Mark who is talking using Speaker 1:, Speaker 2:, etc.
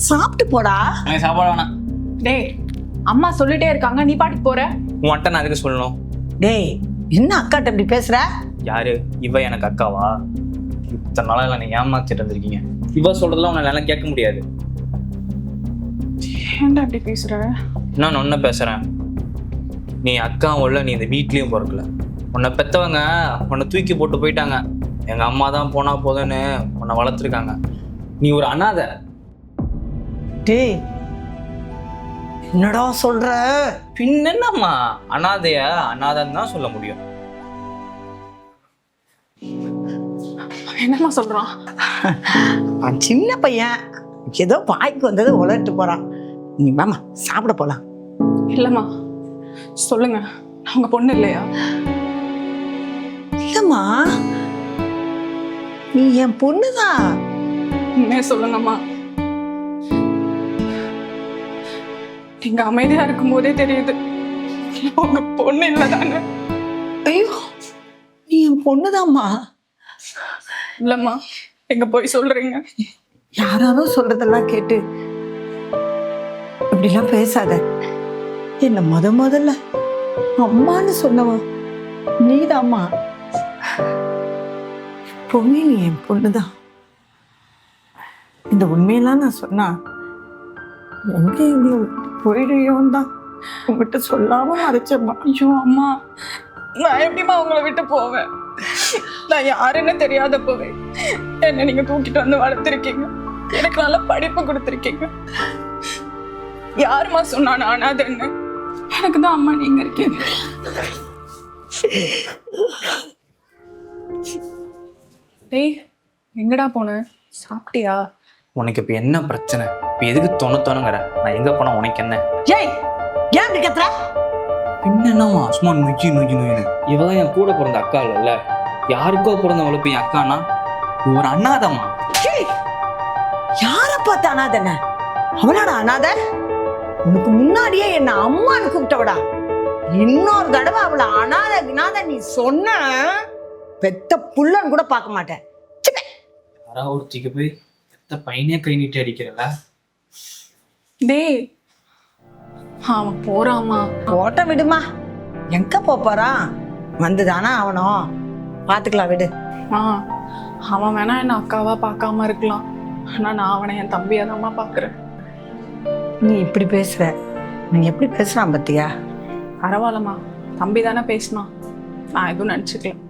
Speaker 1: சாப்பிட்டு போடா.
Speaker 2: எனக்கு சாப்பாடு வேணாம்.
Speaker 3: டேய், அம்மா சொல்லிட்டே இருக்காங்க, நீ பாட்டுக்கு போற.
Speaker 2: உன்கிட்ட நான் அதுக்கு சொல்லணும்.
Speaker 1: டேய், என்ன அக்காட்ட இப்படி பேசுற?
Speaker 2: யாரு இவ? எனக்கு அக்காவா? இத்தனை நாளா இல்லை, நீ ஏமாத்திட்டு இருந்திருக்கீங்க. இவ சொல்றதெல்லாம் உன்னை நல்லா கேட்க முடியாது.
Speaker 3: ஏன்டா இப்படி பேசுற?
Speaker 2: நான் ஒன்ன பேசுறேன். நீ அக்கா உள்ள, நீ இந்த வீட்லயும் பிறக்கல. உன்னை பெத்தவங்க உன்னை தூக்கி போட்டு போயிட்டாங்க. எங்க அம்மா தான் போனா போதுன்னு உன்னை வளர்த்துருக்காங்க. நீ ஒரு அனாதை.
Speaker 1: டேய், என்னடா சொல்ற?
Speaker 2: பின்ன என்னம்மா, அனாதைய அனாதைன்னு தான் சொல்ல முடியும்.
Speaker 3: என்னம்மா சொல்றான்?
Speaker 1: அவன் சின்ன பையன், ஏதோ வாய்க்கு வந்ததை உலர்ட்டு போறான். நீ வாமா சாப்பிட போலாம்.
Speaker 3: இல்லம்மா, சொல்லுங்க, அவங்க பொண்ணு இல்லையா?
Speaker 1: இல்லம்மா, நீ என் பொண்ணுதான்.
Speaker 3: உண்மையா சொல்லுங்கம்மா. நீங்க அமைதியா இருக்கும் போதே தெரியுது உங்க பொண்ணு இல்லதானே.
Speaker 1: ஐயோ, நீ என் பொண்ணுதாம்மா.
Speaker 3: இல்லம்மா, எங்க போய் சொல்றீங்க?
Speaker 1: யாராரும் சொல்றதெல்லாம் கேட்டு இப்படிலாம் பேசாத. என்ன முதல்ல அம்மான்னு சொன்னவன் நீதாம்மா. எப்பவுமே நீ என் பொண்ணுதான். இந்த உண்மையெல்லாம் நான் சொன்னா எங்க எங்களை போயிடுவோம் தான் உங்ககிட்ட சொல்லாம மறைச்சம்மா.
Speaker 3: ஐயோ அம்மா, நான் எப்படிம்மா உங்களை விட்டு போவேன்? நான் யாருன்னு தெரியாத போவேன். என்ன நீங்க தூக்கிட்டு வந்து வளர்த்துருக்கீங்க, எனக்கு நல்ல படிப்பு கொடுத்துருக்கீங்க. யாருமா சொன்னா நான் அனாதைன்னு? எனக்கு தான் அம்மா நீங்க இருக்கீங்க. டேய், எங்கடா போன? சாப்பிட்டியா?
Speaker 2: உனக்கு இப்ப என்ன பிரச்சனை? இப்ப எதுக்கு தொணத்தோணுங்கிற? நான் எங்க போனா உனக்கு என்ன?
Speaker 1: ஏய், ஏன் இப்படி கத்துற?
Speaker 2: பின்ன என்னம்மா சும்மா நொய்யு நொய்யுன்னு? இவதான் என் கூட பிறந்த அக்கா இல்ல. யாருக்கோ பிறந்தவளுக்கு என் அக்கானா ஒரு அண்ணாதம்மா.
Speaker 1: யார பார்த்த அனாதன? அவளாட அனாதை? உனக்கு முன்னாடியே என்ன அம்மான்னு கூப்பிட்டவடா. இன்னொரு தடவை அவளை அனாதை நீ சொன்ன பெத்த புள்ளன்னு கூட பார்க்க மாட்டேன்.
Speaker 2: யாராவது ஒருத்திக்கு போய் பெத்த பையனே கை நீட்டி அடிக்கிறல.
Speaker 3: டேய், அவன் போறாமா.
Speaker 1: ஓட்ட விடுமா, எங்க போறான்? வந்துதானா அவனும், பாத்துக்கலாம் விடு.
Speaker 3: அவன் வேணா என்ன அக்காவா பார்க்காம இருக்கலாம், ஆனா நான் அவனை என் தம்பியா தான்மா பாக்குறேன்.
Speaker 1: நீ இப்படி பேசுற, நீ எப்படி பேசுறான் பத்தியா?
Speaker 3: பரவாயில்லம்மா, தம்பி தானே பேசினான், நான் எதுவும் நினைச்சுக்கல.